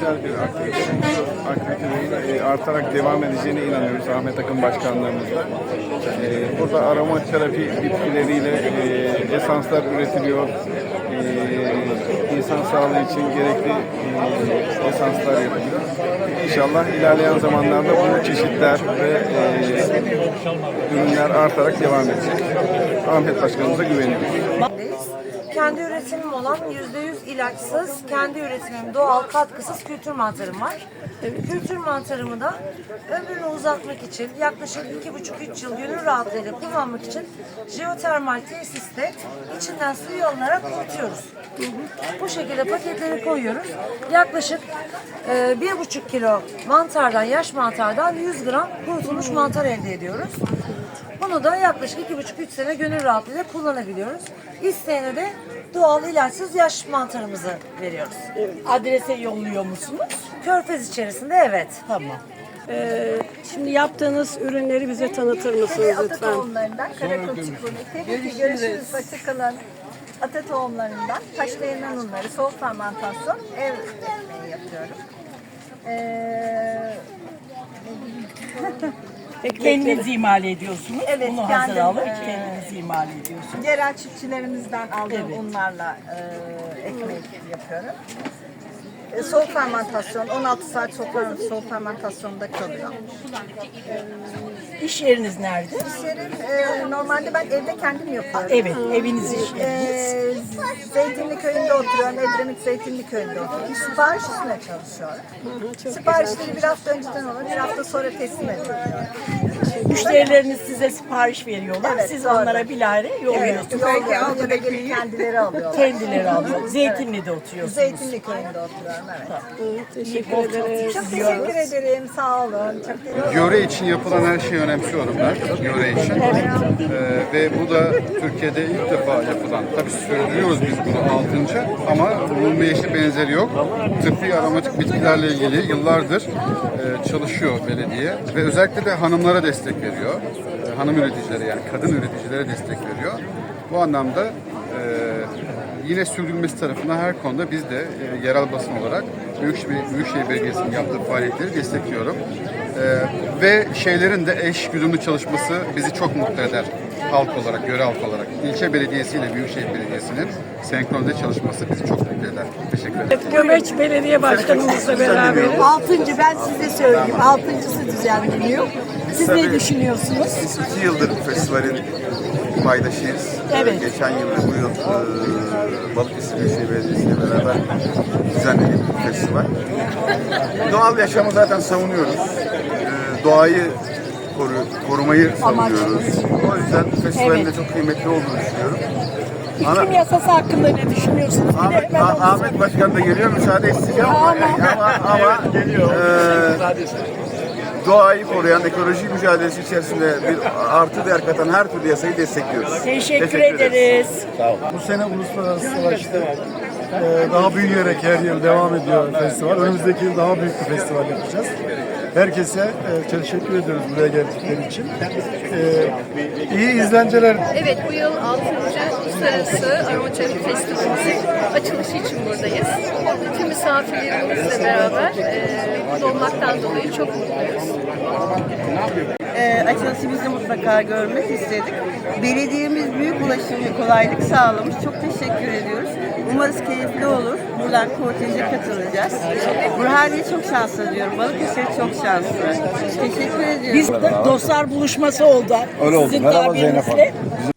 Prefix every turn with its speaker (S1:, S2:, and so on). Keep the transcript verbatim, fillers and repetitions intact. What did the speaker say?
S1: sosyal bir aktivite. Aktivitenin e, artarak devam edeceğine inanıyoruz Ahmet Akın Başkanlığımızla. E, burada aroma terapi bitkileriyle e, esanslar üretiliyor. E, insan sağlığı için gerekli e, esanslar yapılıyor. İnşallah ilerleyen zamanlarda bu çeşitler ve e, ürünler artarak devam edecek. Ahmet Başkanımıza güveniyoruz.
S2: Kendi üretimim olan yüzde yüz ilaçsız, kendi üretimim doğal katkısız kültür mantarım var. Kültür mantarımı da ömrünü uzatmak için yaklaşık iki buçuk üç yıl gönül rahatlığıyla kullanmak için jeotermal tesiste içinden suyu alınarak kurutuyoruz. Bu şekilde paketleri koyuyoruz. Yaklaşık e, bir buçuk kilo mantardan, yaş mantardan yüz gram kurutulmuş mantar elde ediyoruz. Bunu da yaklaşık iki buçuk üç sene gönül rahatlığıyla kullanabiliyoruz. İsteyene de doğal ilaçsız yaş mantarımızı veriyoruz.
S3: Evet. Adrese yolluyor musunuz?
S2: Körfez içerisinde evet.
S3: Tamam.
S4: Ee, şimdi yaptığınız ürünleri bize tanıtır mısınız
S5: Ata
S4: lütfen?
S5: tohumlarından Karakulçuk unu. Görüşürüz. Görüşürüz. Hoşçakalın. Ata tohumlarından taşlayan unları, soğuk fermentasyon ev ekmeği yapıyorum. Ee,
S3: Kendiniz imal ediyorsunuz.
S5: Evet,
S3: Bunu hazır
S5: kendim,
S3: alıp
S5: e,
S3: kendiniz imal ediyorsunuz.
S5: yerel çiftçilerimizden aldığım
S3: Evet.
S5: unlarla e, ekmek yapıyorum. E, soğuk fermentasyon, on altı saat soğuk, soğuk fermentasyonda kalıyor.
S3: İş yeriniz nerede?
S5: İş yerim, e, normalde ben evde kendim yapıyorum.
S3: Evet, eviniz iş yeriniz.
S5: Ee, Zeytinli köyünde oturuyorum. Edremit Zeytinli köyünde oturuyorum. Sipariş üstüne çalışıyorum. Siparişleri bir hafta önceden olur, bir hafta sonra teslim ediyorum.
S3: Müşterileriniz size sipariş veriyorlar.
S5: Evet,
S3: Siz
S5: doğru.
S3: onlara bilahare
S5: Evet,
S3: yolluyorsunuz.
S5: yolluyorum. Ya da gelip kendileri alıyorlar.
S3: Kendileri alıyor. Zeytinli'de oturuyorsunuz.
S5: Zeytinli köyünde oturuyorum, evet.
S4: Hı, teşekkür
S3: Bol
S4: ederiz.
S5: Çok teşekkür ederim, sağ olun. Çok teşekkür
S1: Yöre için yapılan her şeyi önemsiyorum ben, yöre için. Ee, ve bu da Türkiye'de ilk defa yapılan, tabii sürdürüyoruz biz bunu altıncı ama bunun bir eşi benzeri yok. Tıbbi aromatik bitkilerle ilgili yıllardır e, çalışıyor belediye ve özellikle de hanımlara destek veriyor. E, hanım üreticilere yani kadın üreticilere destek veriyor. Bu anlamda e, yine sürdürülmesi tarafından her konuda biz de e, yerel basın olarak Büyükşehir, Büyükşehir Belediyesi'nin yaptığı faaliyetleri destekliyorum. Ee, ve şeylerin de eş güdümlü çalışması bizi çok mutlu eder halk olarak, yöre halk olarak. İlçe Belediyesi ile Büyükşehir Belediyesi'nin senkronde çalışması bizi çok mutlu eder. Teşekkür ederim.
S4: Göbeç Belediye Başkanımızla beraberiz.
S6: Altıncı ben size söyleyeyim. Altıncısı düzenleniyor. Siz ne düşünüyorsunuz?
S7: Biz iki yıldır bu festivalin paydaşıyız.
S3: Evet.
S7: Geçen yıl ve bu yıl e, Balıkesir Büyükşehir Belediyesi ile beraber düzenledik bu festival. Doğal yaşamı zaten savunuyoruz. E, doğayı koru, korumayı savunuyoruz. O yüzden festivalin de çok kıymetli olduğunu düşünüyorum.
S3: İklim yasası hakkında ne düşünüyorsunuz? Bir de
S7: Ahmet,
S3: hemen onu
S7: Ah- Ahmet Başkan da geliyor, müsaade isteyeceğim ama, ama, ama geliyor. Doğayı koruyan, ekoloji mücadelesi içerisinde bir artı değer katan her türlü yasayı destekliyoruz.
S3: Teşekkür, ederiz.
S8: Bu sene uluslararası savaşta e, daha büyüyerek her yıl devam ediyor festival. Önümüzdeki yıl daha büyük bir festival yapacağız. Herkese e, teşekkür ediyoruz buraya geldikleri için. E, iyi izlenceler.
S9: Evet, bu yıl altıncı Uluslararası Aromaterapi Festivalimizin açılışı için buradayız. Tüm misafirlerimizle beraber e, burada olmaktan dolayı çok mutluyuz.
S6: Ee, açılışımızı mutlaka görmek istedik. Belediyemiz büyük ulaşım ve kolaylık sağlamış. Çok teşekkür ediyoruz. Umarız keyifli olur. Buradan korteje katılacağız. Burhaniye çok şanslı diyorum. Balıkesir çok şanslı. Teşekkür ediyoruz.
S3: Biz de dostlar buluşması oldu.
S10: Öyle oldu.
S3: Sizin
S10: Merhaba Zeynep
S3: tabirinizle.
S10: Hanım.